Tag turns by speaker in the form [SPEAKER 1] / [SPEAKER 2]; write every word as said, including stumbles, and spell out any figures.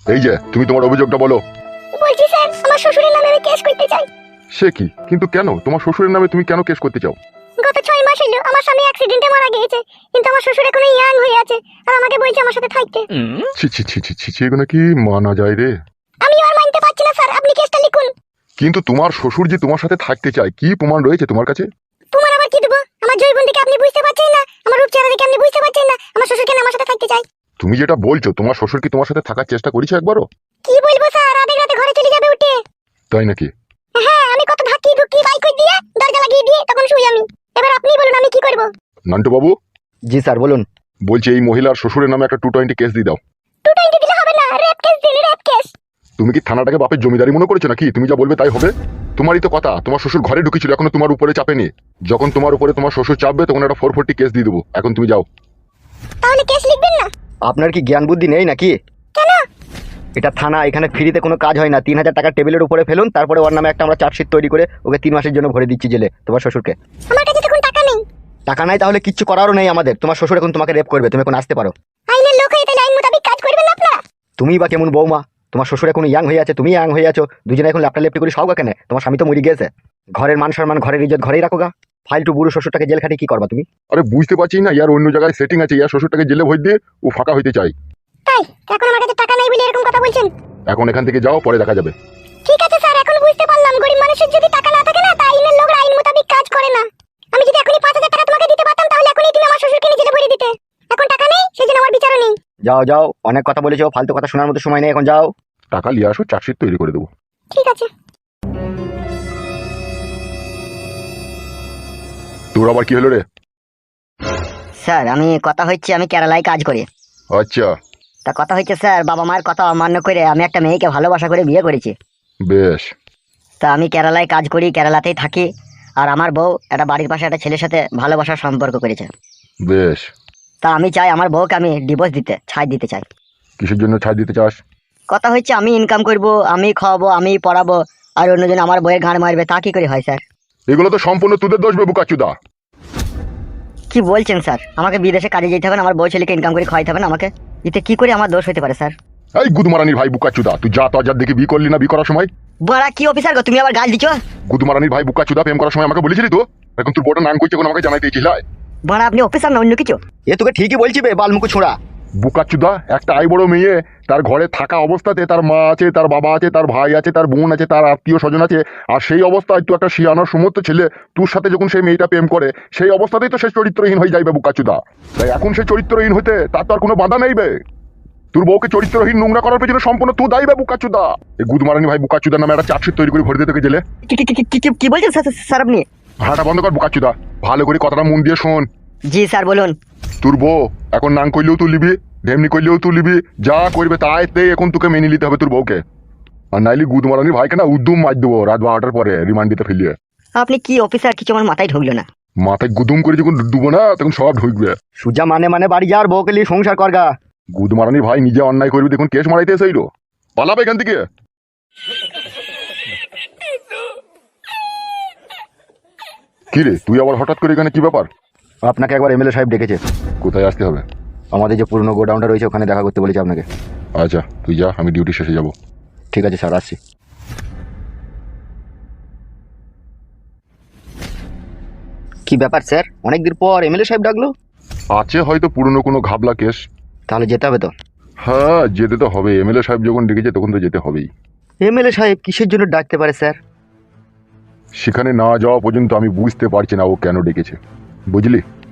[SPEAKER 1] এই যে তুমি তোমার অভিযোগটা বলো।
[SPEAKER 2] বলছি স্যার, আমার শ্বশুরের নামে আমি কেস করতে চাই।
[SPEAKER 1] সে কি? কিন্তু কেন? তোমার শ্বশুরের নামে তুমি কেন কেস করতে চাও?
[SPEAKER 2] গত ছয় মাস হলো আমার স্বামী অ্যাক্সিডেন্টে মারা গিয়েছে, কিন্তু আমার শ্বশুর এখনো ইয়াং হয়ে আছে আর আমাকে বলছে আমার সাথে থাকতে।
[SPEAKER 1] ছি ছি ছি ছি ছি ছি, এগুলো কি মানা যায় রে?
[SPEAKER 2] আমি আর মানতে পারছি না স্যার, আপনি কেসটা লিখুন।
[SPEAKER 1] কিন্তু তোমার শ্বশুর যে তোমার সাথে থাকতে চায়, কি প্রমাণ রয়েছে তোমার কাছে?
[SPEAKER 2] তোমার আবার কি দেবো? আমার জৈবন দেখে আপনি বুঝতে পারছেন না, আমার রূপ চেহারা দেখে আপনি বুঝতে পারছেন না আমার শ্বশুর কেন আমার সাথে থাকতে চায়?
[SPEAKER 1] তুমি যেটা বলছো, তোমার শ্বশুর কি তোমার সাথে থাকার চেষ্টা করেছে একবারও?
[SPEAKER 2] কি বলবো স্যার, আধেক রাতে ঘরে চলে যাবে উঠে।
[SPEAKER 1] তাই নাকি?
[SPEAKER 2] হ্যাঁ, আমি কত ধাক্কি ধুক্কি বাইক করে দিয়ে দরজা লাগিয়ে দিয়ে তখন শুই আমি। এবার আপনি বলুন আমি কি করব?
[SPEAKER 1] নান্টু বাবু,
[SPEAKER 3] জি স্যার বলুন।
[SPEAKER 1] বলছি এই মহিলার শ্বশুরের নামে একটা টু টোয়েন্টি কেস দিয়ে দাও।
[SPEAKER 2] টু টোয়েন্টি দিলে হবে না, রেপ কেস দিন, রেপ কেস।
[SPEAKER 1] তুমি কি থানাটাকে বাপের জমিদারি মনে করেছো নাকি? তুমি যা বলবে তাই হবে? তোমারই তো কথা, তোমার শ্বশুর ঘরে ঢুকেছিল, এখনো তোমার উপরে চাপেনি। যখন তোমার উপরে তোমার শ্বশুর চাপবে তখন একটা ফোর ফোরটি কেস দিয়ে দেবো। এখন তুমি যাও।
[SPEAKER 2] তাহলে কেস লিখবেন না?
[SPEAKER 3] আপনার কি জ্ঞান বুদ্ধি নেই নাকি?
[SPEAKER 2] কেন?
[SPEAKER 3] এটা থানা, এখানে ফ্রিতে কোনো কাজ হয় না। তিন হাজার টাকা টেবিলের উপরে ফেলুন, তারপরে ওর নামে একটা আমরা চার্জশিট তৈরি করে ওকে তিন মাসের জন্য ভরে দিচ্ছি জেলে, তোমার শ্বশুরকে।
[SPEAKER 2] আমার কাছে তখন টাকা নেই।
[SPEAKER 3] টাকা নাই তাহলে কিচ্ছু করারও নেই আমাদের। তোমার শ্বশুর এখন তোমাকে রেপ করবে, তুমি এখন আসতে পারো।
[SPEAKER 2] আইনের লোক হয়ে তাহলে আইন মোতাবেক কাজ করবেন আপনারা।
[SPEAKER 3] তুমি বা কেমন বৌমা? তোমার শ্বশুর এখন ইয়াং হয়ে আছে, তুমি ইয়াং হয়ে আছো, দুজনে এখন ল্যাপটা লেপটি করে সব কেন? তোমার স্বামী তো মরে গেছে। ঘরের মান সম্মান, ঘরের ইজ্জত ঘরেই রাখো গা। ফালতু বুড়ো শ্বশুরটাকে জেল খাটিয়ে কি করবা তুমি?
[SPEAKER 1] আরে বুঝতে পারছি না, ইয়ার অন্য জায়গায় সেটিং আছে, ইয়ার শ্বশুরটাকে জেলে ভরে দিয়ে ও ফাঁকা হইতে চাই।
[SPEAKER 2] তাই এখন আমার কাছে টাকা নাই বলে এরকম কথা বলছেন?
[SPEAKER 1] এখন এখান থেকে যাও, পরে দেখা যাবে।
[SPEAKER 2] ঠিক আছে স্যার, এখন বুঝতে পারলাম গরিব মানুষের যদি টাকা না থাকে না, তা আইনের লোকরা আইন মোতাবেক কাজ করে না। আমি যদি এখনই পাঁচ হাজার টাকা তোমাকে দিতে পারতাম তাহলে এখনই তুমি আমার শ্বশুরকে নিয়ে জেলে ভরে দিতে। এখন টাকা নেই, সেজন্য আমার বিচারও নেই।
[SPEAKER 3] যাও যাও, অনেক কথা বলেছো, ফালতু কথা শোনার মতো সময় নেই, এখন যাও।
[SPEAKER 1] টাকা নিয়ে আসো, চার্জশিট তৈরি করে দেবো।
[SPEAKER 2] ঠিক আছে।
[SPEAKER 1] তোর আবার কি হলো রে?
[SPEAKER 4] স্যার আমি কথা হচ্ছে আমি কেরালায় কাজ করি।
[SPEAKER 1] আচ্ছা,
[SPEAKER 4] তা কথা হচ্ছে স্যার, বাবা মায়ের কথা অমান্য করে আমি একটা মেয়েকে ভালোবাসা করে বিয়ে করেছি।
[SPEAKER 1] বেশ।
[SPEAKER 4] তা আমি কেরালায় কাজ করি, কেরালাতেই থাকি। আর আমার বউ একটা বাড়ির পাশে একটা ছেলের সাথে ভালোবাসার সম্পর্ক করেছে।
[SPEAKER 1] বেশ।
[SPEAKER 4] তা আমি চাই আমার বউকে আমি ডিভোর্স দিতে, ছাই দিতে চাই।
[SPEAKER 1] কিসের জন্য ছাড় দিতে চাস?
[SPEAKER 4] কথা হচ্ছে আমি ইনকাম করব, আমি খাওয়াবো, আমি পড়াবো, আর অন্যজন আমার বউয়ের গাঁড় মারবে, তা কি করে হয় স্যার?
[SPEAKER 1] এগুলো তো সম্পূর্ণ তোদের দোষ বে বুকাচুদা।
[SPEAKER 4] কি বলছেন স্যার? আমাকে বিদেশে কাজে যেতে হবে না, আমার বউ ছেলেকে ইনকাম করে খাওয়াইতে হবে না আমাকে? এতে কি করে আমার দোষ হতে পারে স্যার?
[SPEAKER 1] এই গুদমারানির ভাই বুকাচুদা, তুই যা তো যার দেখে বিয়ে করলি না বিয়ে করার সময়?
[SPEAKER 4] বড়া কি অফিসার গো, তুমি আবার গাল দিছো?
[SPEAKER 1] গুদমারানির ভাই বুকাচুদা প্রেম করার সময় আমাকে বলেছিলি তো? এখন তোর বড় নাম করছে, এখন আমাকে জানাইতে দিয়েছিস?
[SPEAKER 4] বড়া আপনি অফিসার না অন্য কিছু?
[SPEAKER 3] এ তোকে ঠিকই বলছি বে, বালমুকু ছোঁড়া।
[SPEAKER 1] বুকাচুদা, একটা আই বড় মেয়ে, তার ঘরে থাকা অবস্থাতে তার মা আছে, তার বাবা আছে, তার ভাই আছে, তার বোন আছে, তার আত্মীয় স্বজন আছে, আর সেই অবস্থায় তুই একটা শিয়ানোর সমস্ত ছেলে তোর সাথে যখন সেই মেয়েটা প্রেম করে, সেই অবস্থাতেই তো সে চরিত্রহীন হয়ে যাইবে বুকাচুদা। তাই এখন সে চরিত্রহীন হতে তার তো আর কোনো বাধা নেই বে। তোর বউকে চরিত্রহীন নোংরা করার পেছনে সম্পূর্ণ তুই দায়ী বে বুকাচুদা। এই গুদমারানি ভাই বুকাচুদা নামে একটা চার্জশিট তৈরি করে ভরে দিতে তোকে জেলে।
[SPEAKER 4] কি- কি- কি- কি- কি- কি বলছেন স্যার স্যার আপনি?
[SPEAKER 1] ভাড়াটা বন্ধ কর বুকাচুদা, ভালো করে কথাটা মন দিয়ে শোন।
[SPEAKER 4] জি স্যার বলুন।
[SPEAKER 1] তোর বউ এখন নাং করলেও তুই লিবি, ঢেমনি করলেও তুই লিবি, যা করবে তাই এখন তোকে মেনে নিতে হবে তোর বউকে। আর নাইলে গুদমারানি ভাইকে না উদ্যম মার দেবো রাত বারোটার পরে রিমান্ড দিতে ফেলিয়ে।
[SPEAKER 4] আপনি কি অফিসার? কিছু আমার মাথায় ঢুকলো না।
[SPEAKER 1] মাথায় গুদুম করে যখন ডুবো না তখন সব ঢুকবে।
[SPEAKER 3] সুজা মানে মানে বাড়ি যাওয়ার বউকে নিয়ে সংসার করগা।
[SPEAKER 1] গুদমারানি ভাই নিজে অন্যায় করবি, দেখুন কেস মারাইতে এসেইলো, পালাবে এখান থেকে। কি রে তুই আবার হঠাৎ করে এখানে, কি ব্যাপার?
[SPEAKER 3] আপনাকে একবার এমএলএ সাহেব ডেকেছে।
[SPEAKER 1] কোথায় আসতে হবে?
[SPEAKER 3] আমাদের যে পুরনো গোডাউনটা রয়েছে ওখানে দেখা করতে বলেছে আপনাকে।
[SPEAKER 1] আচ্ছা তুই যা, আমি ডিউটি শেষে যাব।
[SPEAKER 3] ঠিক আছে স্যার, আসছি। কি ব্যাপার স্যার, অনেকদিন পর এমএলএ সাহেব ডাকলো?
[SPEAKER 1] আছে হয়তো পুরনো কোনো ঘাবলা কেস।
[SPEAKER 3] তাহলে যেতে হবে তো?
[SPEAKER 1] হ্যাঁ যেতে তো হবে, এমএলএ সাহেব যখন ডেকেছে তখন তো যেতে হবেই।
[SPEAKER 3] এমএলএ সাহেব কিসের জন্য ডাকতে পারে স্যার?
[SPEAKER 1] সেখানে না যাওয়া পর্যন্ত আমি বুঝতে পারছি না ও কেন ডেকেছে, বুঝলি?